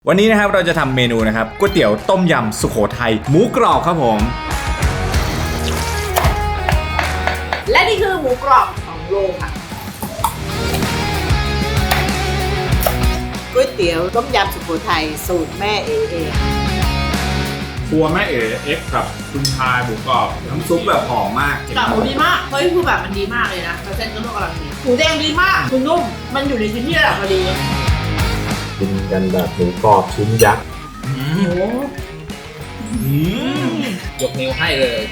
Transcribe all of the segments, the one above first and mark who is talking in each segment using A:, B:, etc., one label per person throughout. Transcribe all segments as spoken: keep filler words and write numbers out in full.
A: วันนี้นะครับเราจะทำเมนูนะครับก๋วยเตี๋ยวต้มยำสุโขทัยหมูกรอบครับผม
B: และนี่คือหมูกรอบสองโลค่ะก๋วยเตี๋ยวต้มยำสุโขทัยสูตรแม่เอเอง
C: ครัวแม่เอ๋เอ็กซ์กับคุณชายหมูกรอบ
A: น้ำซุปแบบหอมมาก
B: กับหมูดีมากเฮ้ยคือแบบมันดีมากเลยนะแล้วเส้นก็นุ่มกำลังดีหมูแดงดีมากคือนุ่มมันอยู่ในชิ้นที่ระดับพอดี
C: กินกันแบบหมูกรอบชิ้นยักษ์
B: โอ้
D: ยกนิ้วให้เลย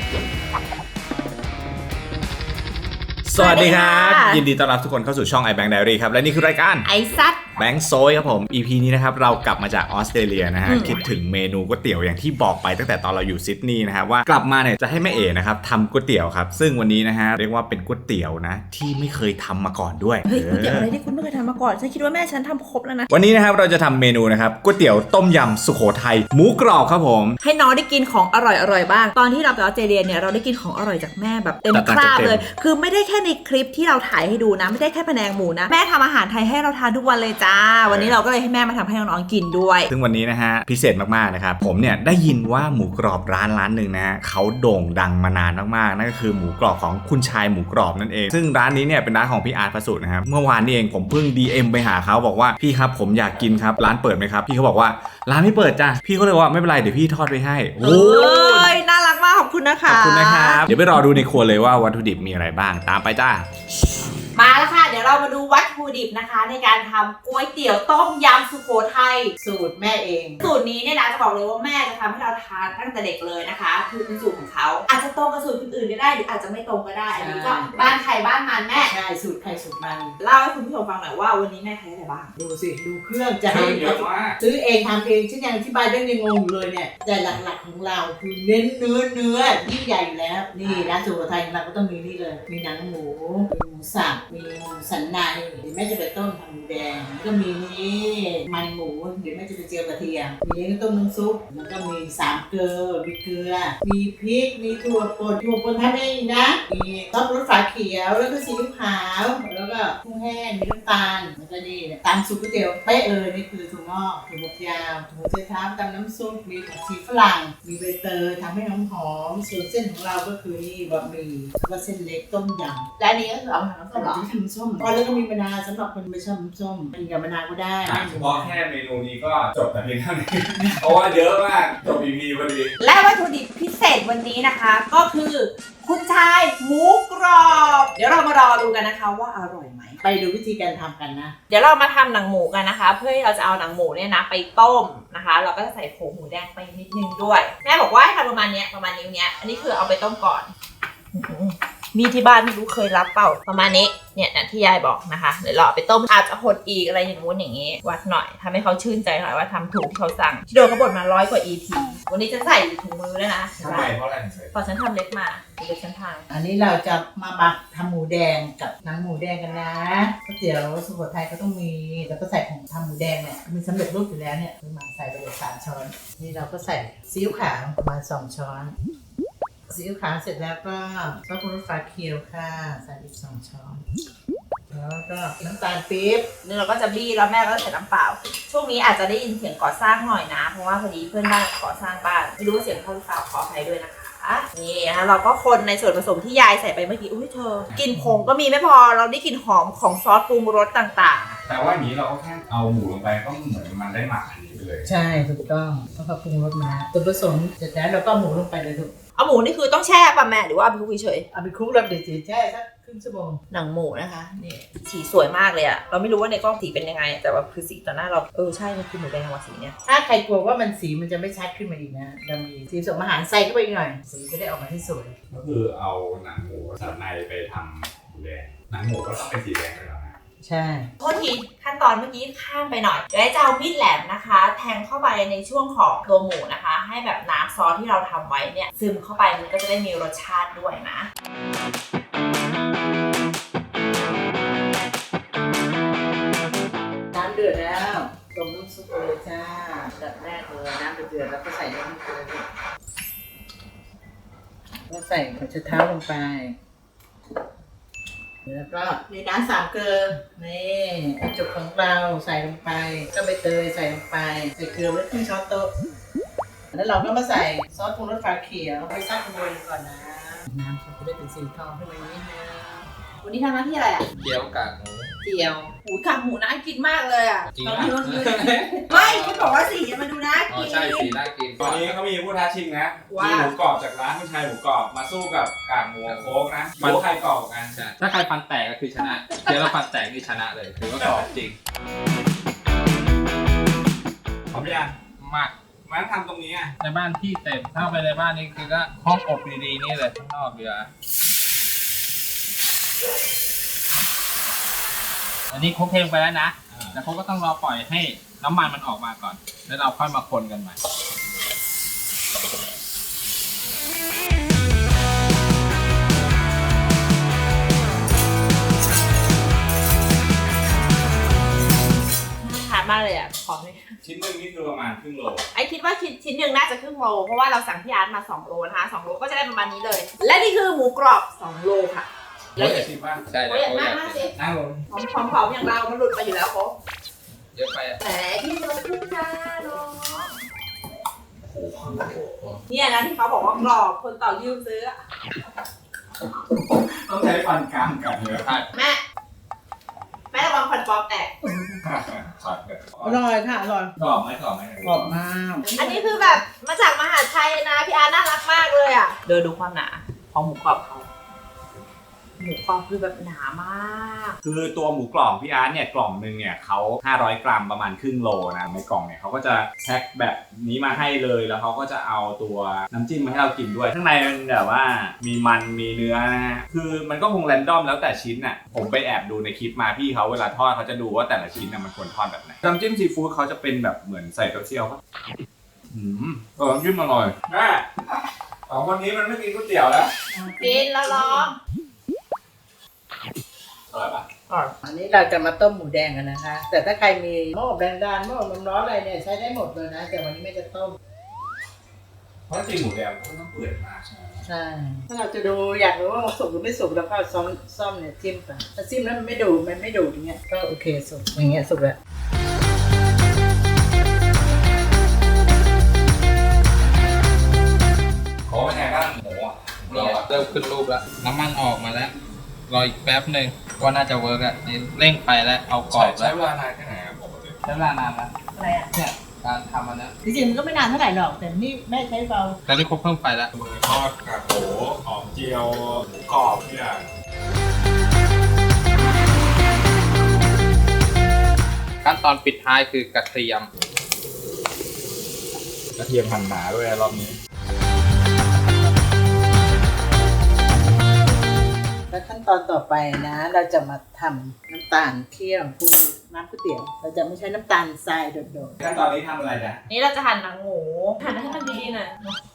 A: สวัสดีครับยินดีต้อนรับทุกคนเข้าสู่ช่อง iBank Diary ครับและนี่คือรายการ
B: ไอซัด
A: แบงค์โซยครับผม อี พี นี้นะครับเรากลับมาจากออสเตรเลียนะฮะคิดถึงเมนูก๋วยเตี๋ยวอย่างที่บอกไปตั้งแต่ตอนเราอยู่ซิดนีย์นะครับว่ากลับมาเนี่ยจะให้แม่เอ๋นะครับทำก๋วยเตี๋ยวครับซึ่งวันนี้นะฮะเรียกว่าเป็นก๋วยเตี๋ยวนะที่ไม่เคยทำมาก่อนด้วย
E: เฮ้ยก๋วยเตี๋ยวอะไรที่คุณไม่เคยทำมาก่อนฉันคิดว่าแม่ฉันทำครบแล้วนะ
A: วันนี้นะครับเราจะทำเมนูนะครับก๋วยเตี๋ยวต้มยำสุโขทัยหมูกรอบครับผม
E: ให้น้องได้กินของอร่อยๆบ้างตอนที่เราไปออสเตรเลียเนี่ยเราได้กินของอร่อยจากแม่แบบเต็มคราบเลยคือไม่ได้แค่ในคลิปที่เราถ่ายให้ดูนะไม่ได้แค่แผนงหมูนะแม่ทำอาหารไทยให้เราทานทุกวันเลยจ้าวันนี้เราก็เลยให้แม่มาทำให้น้องๆกินด้วย
A: ซึ่งวันนี้นะฮะพิเศษมากๆนะครับผมเนี่ยได้ยินว่าหมูกรอบร้านร้านหนึ่งนะฮะเขาโด่งดังมานานมากๆนั่นก็คือหมูกรอบของคุณชายหมูกรอบนั่นเองซึ่งร้านนี้เนี่ยเป็นร้านของพี่อาร์ตประสูตินะครับเมื่อวานนี้เองผมเพิ่ง ดี เอ็ม ไปหาเขาบอกว่าพี่ครับผมอยากกินครับร้านเปิดไหมครับพี่เขาบอกว่าร้านไม่เปิดจ้ะพี่เขาเลยว่าไม่เป็นไรเดี๋ยวพี่ทอดไปให้
E: โอ้ยน่ารักมากขอบคุณนะคะ
A: ขอบคุณนะครับเดี๋ยวไปรอดูในครัวเลยว่าวัตถุดิบมีอะไรบ้างตามไปจ้า
B: มาแล้วค่ะเดี๋ยวเรามาดูวัตถุดิบนะคะในการทำก๋วยเตี๋ยวต้มยำสุโขทัยสูตรแม่เองสูตรนี้เนี่ยนะจะบอกเลยว่าแม่จะทำให้เราทานตั้งแต่เด็กเลยนะคะคือเป็นสูตรของเขาอาจจะตรงกับสูตรคนอื่นก็ได้หรืออาจจะไม่ตรงก็ได้อันนี้ก็บ้านใครบ้านมันแม่ใช่สูตรใครสูตรมันเล่าให้คุณผู้ชมฟังหน่อยว่าวันนี้แม่ใช้อะไรบ้างดูสิดูเครื่องจะให้เยอะมากซื้อเองทำเองฉันยังอธิบายได้ยังงงอยู่เลยเนี่ยแต่หลักๆของเราคือเน้นเนื้อเนื้อที่ใหญ่อยู่แล้วนี่ร้านสุโขทัยเราก็ต้องมีนี่เลยมีหนังหมูมีหมูสับมีสันในเดี๋ยวแม่จะไปต้มทำหมูแดงก็มีนี่มันหมูเดี๋ยวแม่จะไปเจียวกระเทียมมีก็ต้มน้ำซุปแล้วก็มีสามเกลือมีเกลือมีพริกมีถั่วป่นถั่วป่นทำเองนะมีซอสรสฝาเขียวแล้วก็ซีอิ๊วขาวแล้วก็กุ้งแห้งมีน้ำตาลแล้วก็นี่ตามสูตรก๋วยเตี๋ยวเป๊ะเลยนี่คือถั่วงอกถั่วบดยาวถั่วเชื้อเท้าตามน้ำซุปมีผักชีฝรั่งมีใบเตยทำให้หอมหอมส่วนเส้นของเราก็คือนี่บะหมี่แล้วก็เส้นเล็กต้มยำและอันนี้ก็คือเอามาทำส้มหรอทำส้มแล้วก็มีมะนาวสำหรับคนไม่ชอบน้ำส้มกินกับมะนาวก็ได้
C: เฉพาะแค่เมนูนี้ก็จบแต่เพียงเท่านี้เพราะว่าเยอะมากจบ อี พี พอดี
B: และวัตถุดิบพิเศษวันนี้นะคะก็คือคุณชายหมูกรอบเดี๋ยวเรามารอดูกันนะคะว่าอร่อยไหมไปดูวิธีการทำกันนะเดี๋ยวเรามาทำหนังหมูกันนะคะเพื่อที่เราจะเอาหนังหมูเนี่ยนะไปต้มนะคะเราก็จะใส่ผงหมูแดงไปนิดนึงด้วยแม่บอกว่าให้ทำประมาณนี้ประมาณนิ้วเนี้ยอันนี้คือเอาไปต้มก่อนมีที่บ้านไม่รู้เคยรับเปล่าประมาณนี้เนี่ยนะที่ยายบอกนะคะเดี๋ยวเราไปต้มอาจจะหดอีกอะไรอย่างงู้นอย่างงี้วัดหน่อยทำให้เขาชื่นใจหน่อยว่าทำถูกที่เขาสั่งที่โดนเขาบ่นมาร้อยกว่า อี พี วันนี้จะใส่ถุงมือแล้วนะ
C: ทำไมเพราะอะไร
B: พอฉันทำเล็กมาเดี๋ยวฉันทำ
F: อันนี้เราจะมาบักทำหมูแดงกับหนังหมูแดงกันนะก๋วยเตี๋ยวสุโขทัยก็ต้องมีแล้วก็ใส่ของทำหมูแดงเนี่ยมีสำเร็จรูปอยู่แล้วเนี่ยคือมาใส่ไปเลยสามช้อนนี่เราก็ใส่ซีอิ๊วขาวประมาณสองช้อนซีอิ๊วขาวเสร็จแล้วก็ซอสปรุงรสฟ้าเขียวค่ะใส่อีกสองช้อนแล้วก็น้ำตาลปี๊บ
B: นี่เราก็จะบี้แล้วแม่ก็ใส่น้ำเปล่าช่วงนี้อาจจะได้ยินเสียงก่อสร้างหน่อยนะเพราะว่าพอดีเพื่อนบ้านก่อสร้างบ้านไม่รู้ว่าเสียงเข้าหรือเปล่าขออภัยด้วยนะคะนี่นะคะเราก็คนในส่วนผสมที่ยายใส่ไปเมื่อกี้อุ้ยเธอกลิ่นผงก็มีไม่พอเราได้กลิ่นหอมของซอสปรุงรสต่าง
C: ๆแต่ว่าอย่างนี้เราก็แค่เอาหมูลงไปก็เหมือนมันได้หมักอันนี้ไปเลย
F: ใช่ถูกต้องเพราะเขาปรุงรสมาตัวผสมเสร็จแล้วเราก็หมูลงไปเลยถูก
B: เอาหมูนี่คือต้องแช่ป่ะแม่หรือว่าเอาไปคลุกเฉย
F: เอาไปคลุกแล้วเดี๋ยวแช่สักครึ่งชั่วโมง
B: หนังหมูนะคะนี่สีสวยมากเลยอะเราไม่รู้ว่าในกล้องสีเป็นยังไงแต่ว่าคือสีต่อหน้าเราเออใช่มันคือหมูแดงว่ะสีเนี้ย
F: ถ้าใครกลัวว่ามันสีมันจะไม่ชัดขึ้นมาอีกนะเรามีสีผสมอาหารใส่เข้าไปอีกหน่อยสีจะได้ออกมาที่สวย
C: ก็คือเอาหนังหมูสับในไปทำหมูแดงหนังหมูก็ต้องเป็นสีแดงเลยเหรอ
F: ใช่
B: โทษทีขั้นตอนเมื่อกี้ข้ามไปหน่อยเดี๋ยวจะเอามีดแหลมนะคะแทงเข้าไปในช่วงของตัวหมูนะคะให้แบบน้ำซอสที่เราทำไว้เนี่ยซึมเข้าไปมันก็จะได้มีรสชาติด้วยนะ
F: น้ำเดือดแล้วต้มน้ำซุปเลยจ้าดับแรกเลยน้ำเดือดแล้วก็ใส่น้ำมันเลยแล้วใส่หัวไชเท้าลงไปแล้วก็ในน้ำสามเกลือนี่กระจุกของเราใส่ลงไปก็ใบเตยใส่ลงไปใส่เกลือไว้ครึ่งช้อนโต๊ะแล้วเราก็มาใส่ซอสปรุงรสฟ้าเขียวไปซักขโมยก่อนนะน้ำจะได้เป็นสีทองขึ้นมาอย่างนี้นะ
B: วันนี้ทำหน้าที่อะไรอ่ะ
D: เกี๊ยวกากหมู
B: เจียวหูกากหมูน่ากินมากเลยอ่ะ
D: จริง
B: ตอน
D: อ่ะ
B: ที่ว่าไม่คุณบอกว่าสีมันดูน่า
D: อ๋อ
B: กิน
D: ใช่สีน่ากิน
C: ตอนนี้เขามีผู้ท้าชิงนะ
B: ว่ามี
C: มีหมูกรอบจากร้านคุณชายหมูกรอบมาสู้กับกากหมูโค้กนะหมูใครกรอบกว่ากัน
D: ใช่ถ้าใครฟันแตกก็คือชนะเกี๊ยวแล้วฟันแตกนี่ชนะเลยถือว่ากรอบจริง
C: พร้อมยัง
D: มาก
C: มันทำตรงนี้อ่ะ
D: ในบ้านที่เต็มถ้าไปในบ้านนี่คือก็ห้องอบดีๆนี่เลยข้างนอกเรืออันนี้คลุกเพลงไปแล้วนะแต่เขาก็ต้องรอปล่อยให้น้ำมันมันออกมาก่อน แล้วเราค่อยมาคนกันใหม่
B: ทานมากเลยอ่ะขอเลย
C: ชิ้นหนึ่งนี่คือประมาณครึ่งโล
B: ไอคิดว่าชิ้นชิ้นหนึ่งน่าจะครึ่งโลเพราะว่าเราสั่งพี่อาร์ตมาสองโลนะคะสองโลก็จะได้ประมาณนี้เลย และนี่คือหมูกรอบสองโลค่ะ
C: โอ้ยชิมบ้าง
D: ใช่แล้ว
B: โอ้ย
D: เขาอาก
B: มายมาก
D: กิ
B: สิ
D: น
C: นั่งลง
B: หอมหอมๆอย่างเรา มันหลุดไปอยู่แล้วโค้
D: เยอะไปอ่ะ
B: แต่ที่เราพูดจ้าเนาะเนี่ยนะที่เขาบอกว่ากรอบคนต่อยิ้วซื้ออะ
C: ต้องใช้ฟันกรามกัดเลย
D: ใช่
B: แม่แม่ระวังฟันปลอมแตก
C: ช็อต
F: อร่อยค่ะอร่อย
C: กรอบไหมกรอบไหม
F: กรอบมาก
B: อันนี้คือแบบมาจากมหาชัยนะพี่อาร์ตน่ารักมากเลยอ่ะเดินดูความหนาของหมูกรอบเขาหมูกรอบคือแบบหนามาก
A: คือตัวหมูกรอบพี่อาร์ตเนี่ยกล่องหนึงเนี่ยเขาห้าร้อยกรัมประมาณครึ่งโลนะในกล่องเนี่ยเขาก็จะแพ็คแบบนี้มาให้เลยแล้วเขาก็จะเอาตัวน้ำจิ้มมาให้เรากินด้วยข้างในมันแบบว่ามีมันมีเนื้อนะฮะคือมันก็คงแรนดอมแล้วแต่ชิ้นน่ะผมไปแอบดูในคลิปมาพี่เขาเวลาทอดเขาจะดูว่าแต่ละชิ้นน่ะมันควรทอดแบบไหนน้ำจิ้มซีฟู้ดเขาจะเป็นแบบเหมือนใส่เต้าเจี้ยวปะอืมเออน้ำจิ้มอร่อย
C: แม่สองคนนี้มันไม่กินก๋วยเตี๋ยวแล้ว
B: กินแล้วร้อง
C: อร่อยปะ
F: อันนี้เราจะมาต้มหมูแดงกันนะคะ แต่ถ้าใครมีหม้ออบแรงดันหม้ออบลมร้อนอะไรเนี่ยใช้ได้หมดเลยนะ แต่วันนี้ไม่จะต้ม
C: เพราะจริงหมูแดงมันต้องเปื่อยมากใช่ไหม
F: ใช่ ถ้าเราจะดูอยากรู้ว่ามันสุกหรือไม่สุกเราก็เอาซ่อมซ่อมเนี่ยจิ้มไปถ้าจิ้มแล้วมันไม่ดูดมันไม่ดูดอย่างเงี้ยก็โอเคสุกอย่างเงี้ยสุกแล้ว
C: โอ้เป็นไงบ้างหมูอ่ะ
D: นี่เริ่มขึ้นรูปแล้วน้ำมันออกมาแล้วรออีกแป๊บหนึ่งว่าน่าจะเวิร์กอ่ะนี่เร่งไปแล้วเอากร
C: ใช้
D: อบ
C: ใช้
D: แล้ว
C: เวลานานแค่ไหนครับปกติ
D: ใช้เวลานานนะ
F: อะไรอ่ะ
D: เนี่ยการทำอันนี้
F: จริงๆมันก็ไม่นานเท่าไหร่หรอกแต่นี่แม่ใช้เบา
D: แล้วนี่ครบเพิ่มไปแล้ว
C: หมูทอดกากหมูหอมเจียวหมูกรอบทุกอย่าง
D: ขั้นตอนปิดท้ายคือกระเทียม
C: กระเทียมหั่นหนาด้วยรอบนี้
F: แล้วขั้นตอนต่อไปนะ เราจะมาทำน้ำตาลเคี่ยวปรุงน้ำก๋วยเตี๋ยว เราจะไม่ใช้น้ำตาลทรายโดด
C: ขั้นตอนนี้ทำอะไรนะ
B: นี่เราจะหั่นหนังหมูหั่นให้มันดีๆหน่อย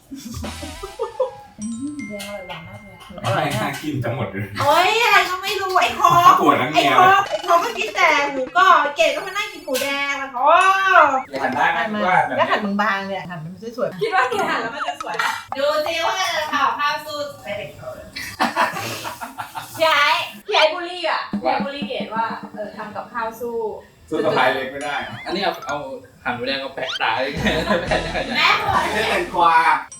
B: แดงอร่อยหวานมากเลย
C: อร่อยน่ากินทั้งหมดเลย
B: โอ๊ยอะไรก็ไม่รู้ไอ้คอ
C: ปวดทั้ง
B: ไอ้
C: เมีย
B: คอไอ้คอก็กินแต่หมูกรอบเกดก็มานั่งกินหมูแดงมันโอ้
C: หั่นได้ไหม
F: ๆมา
C: ว่าแบบ
F: แล้วหั่นบางๆเนี่ยหั่นมันสวย
B: คิดว่าแกหั่นแล้วมันจะสวยดูสิว่าจะทำข้าวสูตรไปเด็กเขาเลยพี่ไอ้พี่ไอ้บุลี่อ่ะพี่ไอ้บุลี่เกดว่าเออทำกับข้าวสู้
C: สู้สะพายเล็กไม่ได้
D: อันนี้เอาเอาหั่นหมูแดงเอาแปะตาเลยแปะได้
B: แม่บอก
C: ไม่ใช่แตงกวา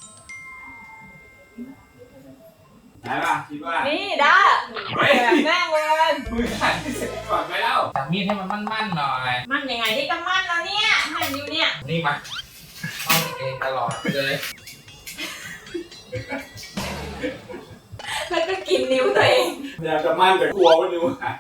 C: ได้ป่ะคิดว่า
B: นี่ได้แบบแม่งเลย
C: มือหั่นเสร็จก่อนไปแล้ว
D: จับมีดให้มันมั่นๆหน่อย
B: มันยังไงนี่ก็มั่นแล้วเนี่ยหั่นอยู่เนี่ย
D: นี่มาต้องเองตลอดเลย
B: แล้วก็กินนิ้วตัวเอง
C: พยายามจะมั่นแต่กลัวว่านิ้วหาย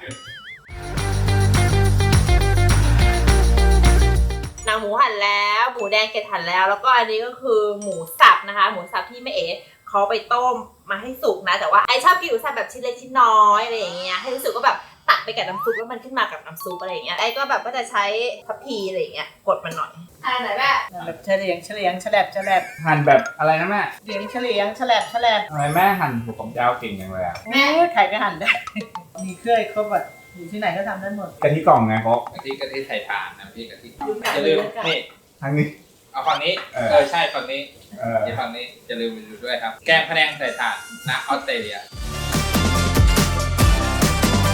B: หนังหมูหั่นแล้วหมูแดงเกล็ดหั่นแล้ว แล้วก็อันนี้ก็คือหมูสับนะคะ หมูสับที่แม่เอ๋เขาไปต้มมาให้สุกนะ แต่ว่าไอชอบกินหมูสับแบบชิ้นเล็กชิ้นน้อยอะไรอย่างเงี้ยให้รู้สึกว่าแบบตักไปกับน้ำซุปแล้วมันขึ้นมากับน้ำซุปอะไรอย่างเงี้ยไอก็แบบก็จะใช้ทัพพีอะไรอย่างเงี้ยกดมันหน่อยอะไรไหนแม่
F: ๆแบบเฉลียงเฉลียงฉลบฉลบ
A: หั่นแบบอะไรนะแม่
F: เฉลียงเฉลียงฉลบฉลบ
A: ทำไมแม่หั่นหัวของยาวเก่งจังเลยอะ
F: แม่ใครก็หั่นได้ มีเครื่องครบอ่ะอยู่ที่ไหนก็ทำได้หมด
A: กะทิกล่องไงครบ
D: กะทิกะทิใส่ถ่านนะพี่กะทิ
F: ดูหนัง
D: อย่าลืม
F: เลยค่ะ
D: นี่
A: ทางนี้
D: เอาฝั่งนี้
A: เออ
D: เออใช่ฝั่งนี้
A: เออ
D: ที่ฝั่งนี้อย่าลืมดูด้วยครับ แกงพะแนงใส่ถ่านนะออสเตรเลีย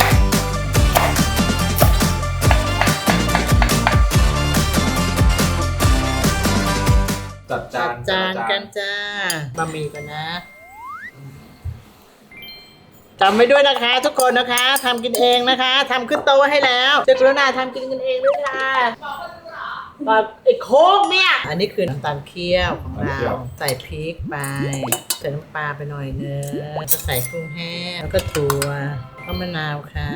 A: จัดจาน
F: จานกันจ้าบะหมี่กันนะจำไว้ด้วยนะคะทุกคนนะคะทำกินเองนะคะทำขึ้นโต๊ะให้แล้วเจ้ากรุณาทำกินกันเองด้วยค่ะแบบไอ้โค้กเนี่ยอันนี้คือน้ำตาลเคี่ยวของเราใส่พริกไปใส่น้ำปลาไปหน่อยนึงก็ใส่กุ้งแห้งแล้วก็ถั่วแล้วก็มะนาวค่ะ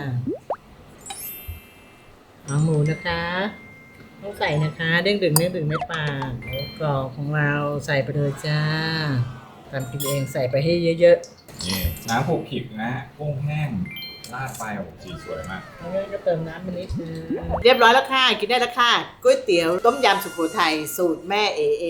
F: เอาหมูนะคะต้องใส่นะคะเด้งดึงเด้งดึงไม่ปากหมูกรอบของเราใส่ไปเลยจ้าทำกินเองใส่ไปให้เยอะ
A: นี่น้ำผูกผิบนะกุ้งแห้งราดไปโอ้โหสีสวยมาก
F: ๆแล้วก็เติมน้ำไปนิดนึงเรียบร้อยแล้วค่ะกินได้แล้วค่ะก๋วยเตี๋ยวต้มยำสุโขทัยสูตรแม่เอเอง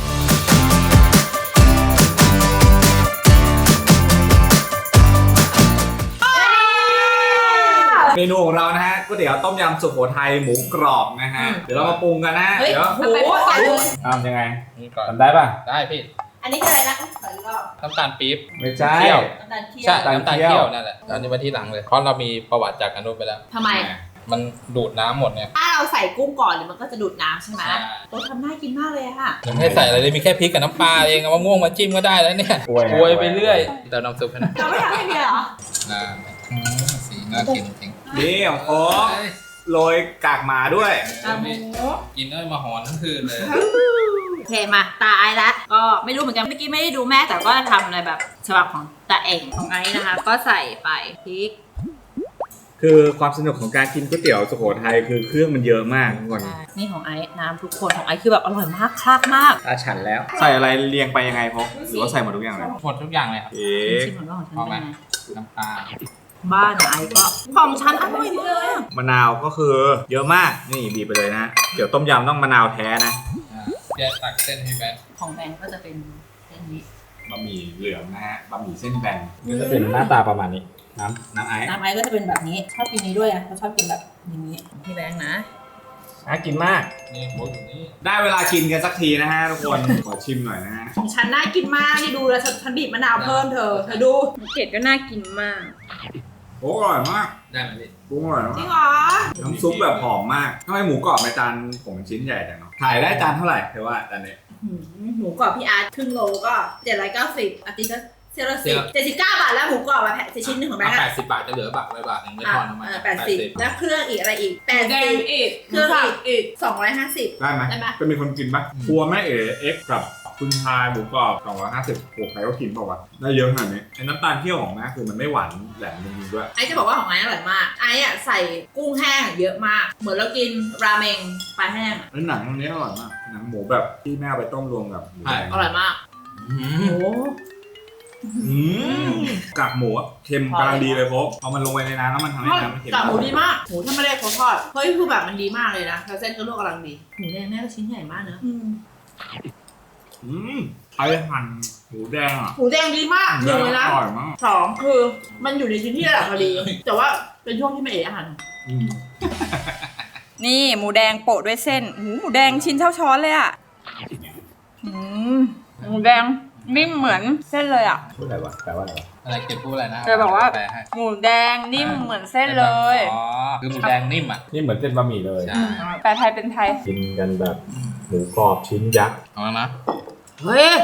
A: เมนูของเรานะฮะก๋วยเตี๋ยวต้มยำสุโขทัยหมูกรอบนะฮะเดี๋ยวเรามาปรุงกันนะ
B: เฮ้ย
A: เดี๋ยว
B: โอ้โหใส่เลย
A: ทำยังไง
D: นี่ก่อน
A: ทำได้ป่ะ
D: ได้พี่
B: อันนี้คืออะไรนะใส่รอบ
D: น้ำตาลปี๊บ
A: ไม่ใช่
D: เคี่ยว
B: น้ำตาลเคี่ยว
D: ใช่
A: น้ำ
D: น้ำ
A: ตา
D: ตา
A: ล
D: ล
A: เคี่
D: เคี่
A: ย
D: ยว วนั่นแหละอันนี้มาที่หลังเลยเพราะเรามีประวัติจากกันนู้นไปแล้ว
B: ทำไม
D: มันดูดน้ำหมดเนี่ย
B: ถ้าเราใส่กุ้งก่อนเดี๋ยวมันก็จะดูดน้ำใช่ไหม
D: ใช่
B: โอ้ทำน่ากินมากเลยอะค่ะ
D: ยังไม่ได้ใส่อะไรเลยมีแค่พริกกับน้ำปลาเองเอามะม่วงมาจิ้มก็ได้แล้วเนี่ย
A: อวย
D: อวยไปเรื่อยเติมน้ำซุปให้หน่อย
B: เราไม่ทำให้เมียเหรอ
D: อ่าอืมสีน่ากินจริง
A: นี่ของโค้กโรยกากหมาด้วย
B: อ่ะหมู
D: กินได้มาหอนทั้งคืนเลย
B: โอเคมาตาไอซ์ละก็ไม่รู้เหมือนกันเมื่อกี้ไม่ได้ดูแม่แต่ก็ทำอะไรแบบฉบับของตาเองของไอซ์นะคะ ก็ใส่ไปพริก
A: คือความสนุกของการกินก๋วยเตี๋ยวสุโขทัยคือเครื่องมันเยอะมากทุกคน
B: นี่ของไอซ์น้ำทุกคนของไอซ์คือแบบอร่อยมากคลากมาก
A: ตาฉันแล้ว ใส่อะไรเรียงไปยังไงพกหรือว่าใส่หมดทุกอย่างเลย
D: หมดทุกอย่างเลยครับ
A: เอ๊ะ
B: ชิมของน้องของฉัน
D: เอาไหม
B: เป็นไง
D: น้ำปลา
B: บ้านไอซ์ก็ของฉันอร่อยมาก
A: มะนาวก็คือเยอะมากนี่บีบไปเลยนะเดี๋ยวต้มยำต้องมะนาวแท้นะ
D: อ่าแยกตักเส้นให้แบน
B: ของแบงก์ก็จะเป็นเส้นนี้
A: บะหมี่เหลืองนะฮะบะหมี่เส้นแบนก็จะเป็นหน้าตาประมาณนี้น้ำน้ำไอซ์
B: น้ำไอซ์ก็จะเป็นแบบนี้ชอบกินนี้ด้วยนะเขาชอบกินแบบอย่างนี้พี่แบงค์นะ
A: น่ากินมาก
D: นี่หมูอยู่นี่
A: ได้เวลากินกันสักทีนะฮะทุกคน ขอชิมหน่อยนะฮะ
B: ของฉันน่ากินมากนี่ดูแล้วฉันฉันบีบมะนาวเพิ่มเธอเธอดู
E: เกดก็น่ากินมาก
A: โอ้อร่อยมาก
D: ได้ไหมพี่
A: ปรุงอร่อย
B: จริ
A: มาง ก
B: เหรอ
A: น้ำซุปแบบหอมมากทำไมหมูกรอบในจานผมชิ้นใหญ่จังเนาะถ่ายได้จานเท่าไหร่เธอว่าจานนี้
B: หืมหมูกรอบพี่อาร์ตครึ่งโลก็เจ็ดร้อยเก้าสิบอาทิตย์ละเซลล์สิบเจ็ดสิบเก้าบาทแล้วหมูกรอบอะแผ่นชิ้นหนึ่งของแบงค์
D: แป
B: อะ
D: ดสิบบาทจะเหลือบาทไว้บาทหนึ่งไม่พอน้ำมัน
B: แปดสิบแล้วเครื่องอีกอะไรอีกแปดสิบอีกเครื่องอีกอีกสองร้อยห้าสิบ
A: ได้ไหม
B: ได้ไหม
A: จะมีคนกินปะครัวแม่เอ๋เอ็กซ์กับคุณชายหมูกรอบสองร้อยห้าสิบโอ้ใครก็กินเปล่าวะได้เยอะขนาดนี้ไอ้น้ำตาลเคี่ยวของแม่คือมันไม่หวานแหลมจริงๆด้วย
B: ไอซ์จะบอกว่าของไอซ์อร่อยมากไอซ์อะใส่กุ้งแห้งเยอะมาก เหมือนเรากินราเมงปลาแห้งอะ
A: แล้วหนังตรงนี้อร่อยมากหนังหมูแบบที่แม่เอาไปต้มรวมกับหมูแดง
B: อร่อยมาก
D: อื
B: โอ้
D: ม
A: อืมกากหมูอะเค็มกำลังดีเลยครบพอมันลงไปในน้ำแล้วมันทำให้น้ำมันเค็ม
B: กากหมูดีมากหมูถ้าไม่ได้เขาทอดเฮ้ยคือแบบมันดีมากเลยนะแล้วเส้นก็ลวกกำลังดีหมูแดงแม่ก็ชิ้นใหญ่มากเนอะ
A: อืมใครหั่นหมูแดงอ่ะ
B: หมูแดงดีมากหนึ่งเลยนะ
A: อร่อยมาก
B: สองคือมันอยู่ในชิ้นที่ระดับพอดี แต่ว่าเป็นช่วงที่ไม่เอ๋อาหาร
A: อืม
E: นี่หมูแดงโปะด้วยเส้นหูหมูแดงชิ้นเท่าช้อนเลยอ่ะอืมหมูแดงนิ่มเหมือนเส้นเลยอ่ะ
A: พูดอะไรวะแปลว่าอะไรวะ
D: อะไรเก็บพูดอะไรนะ
E: เธอบอกว่า
D: แปลให้
E: หมูแดงนิ่มเหมือนเส้นเลย
D: อ๋อคือหมูแดงนิ่มอ่ะ
A: นี่เหมือนเส้นบะหมี่เลย
D: ใช่
E: แปลไทยเป็นไทย
A: กินกันแบบหมูกรอบชิ้นยักษ์
D: เอาแล้วนะ
B: เฮ้ย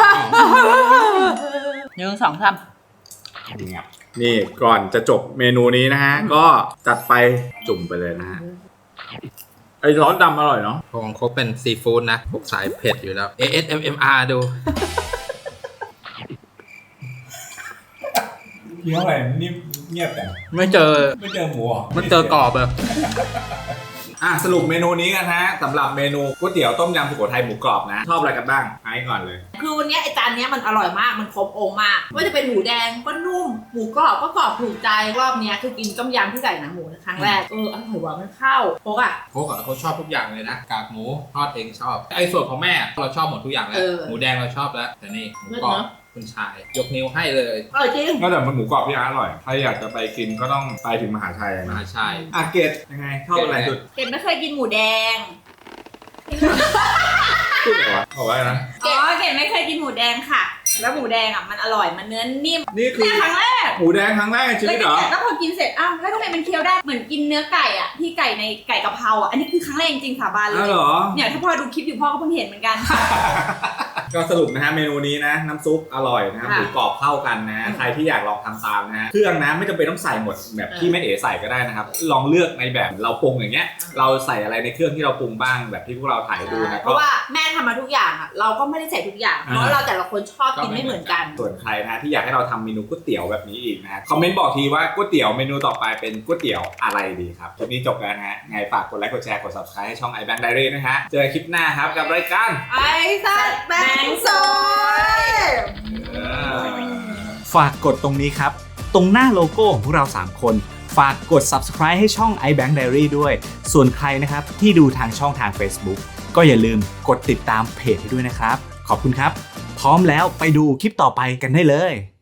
B: หนึ่งสองสาม
A: นี่ก่อนจะจบเมนูนี้นะฮะ ก็จัดไปจุ่มไปเลยนะฮะไอ้ซอสดำอร่อยเนาะ
D: ของครบเป็นซีฟู้ดนะพวกสายเผ็ดอยู่แล้ว เอ เอส เอ็ม เอ็ม อาร์ ดู
A: เคี้ยวอะไรนิ่มเงียบแต่
D: ไม่เจอ
A: ไม่เจอหมูหรอ
D: มันเจอกรอบแบบ
A: อ่ะสรุปเมนูนี้กันฮะสำหรับเมนูก๋วยเตี๋ยวต้มยำสุโขทัยหมูกรอบนะ ชอบอะไรกันบ้างไอ้ก่อนเลย
B: คือวันเนี้ยไอจานเนี้ยมันอร่อยมากมันครบองค์มากว่าจะเป็นหมูแดงก็นุ่มหมูกรอบก็กรอบถูกใจรอบเนี้ยคือกินต้มยำที่ใส่หนังหมูครั้งแรกเอออร่อยว่ะมันเข้าโป๊กอะ
D: โค้กอะเขาชอบทุกอย่างเลยนะกากหมูทอดเองชอบไอ้ส่วนของแม่เราชอบหมดทุกอย่างแล้วหมูแดงเราชอบแล้วแต่นี่หมูกรอบคุณชายยกนิ้วให้เลย
B: อร่อยจริง
A: ก็แต่มันหมูกรอบพี่อาร์อร่อยใครอยากจะไปกินก็ต้องไปถึงมหาชัย
D: ม
A: นะ
D: หาชัย
A: อ่ะเกดยังไงชอบอะไรสุด
B: เก็บไม่เคยกินหมูแดง
A: พูดอะไรวะบอกว่าอะไรนะ
B: อ๋อเก็บไม่เคยกินหมูแดงค่ะ
E: แล้วหมูแดงอ่ะมันอร่อยมันเนื้อนิ่ม
A: นี่คือ
E: เนี่ยครั้งแรก
A: หมูแดงครั้งแรกในชีวิตเหรอ
E: แล้วพอกินเสร็จอ้าวแล้วทำไมมันเคี้ยวได้เหมือนกินเนื้อไก่อ่ะที่ไก่ในไก่กะเพราอ่ะอันนี้คือครั้งแรกจริงๆสาบานเล
A: อ้าวย เหรอ
E: เนี่ยถ้าพ่อดูคลิปอยู่พ่อก็เพิ่งเห็นเหมือนกัน
A: ก็สรุปนะฮะเมนูนี้นะน้ำซุปอร่อยนะครับ
E: ค่ะ
A: หมูกรอบเข้ากันนะฮะ
E: อืม
A: ใครที่อยากลองทำตามนะฮะเครื่องนะไม่จำเป็นต้องใส่หมดแบบที่แม่เอ๋ใส่ก็ได้นะครับลองเลือกในแบบเราปรุงอย่างเงี้ยเราใส่อะไรในเครื่องที่เราปรุงบ้างแบบที่พวกเราถ่ายดูนะ
E: เพ
A: ก็
E: ราะว่าแม่ทำมาทุกอย่างอ่ะเราก็ไม่ได้ใส่ทุกอย่าง
A: อ่า
E: เพราะเราแต่ละคนชอบกินไม่เหมือนกัน
A: ส่วนใครนะที่อยากให้เราทำเมนูก๋วยเตี๋ยวแบบนี้อีกนะฮะคอมเมนต์บอกทีว่าก๋วยเตี๋ยวเมนูต่อไปเป็นก๋วยเตี๋ยวอะไรดีครับคลิปนี้จบแล้วนะฮะไงฝากกดไลค์กดแชร์กด ซับสไครบ์ ให้ช่อง iBank Diary นะฮะเจอกันคลิปหน้าครับกับรายการ
E: ไอ้สัตว์แบงค์ซอย
A: ฝากกดตรงนี้ครับ ตรงหน้าโลโก้ของพวกเรา สาม คน ฝากกด ซับสไครบ์ ให้ช่อง iBank Diary ด้วย ส่วนใครนะครับที่ดูทางช่องทาง Facebook ก็อย่าลืมกดติดตามเพจให้ด้วยนะครับ ขอบคุณครับ พร้อมแล้วไปดูคลิปต่อไปกันได้เลย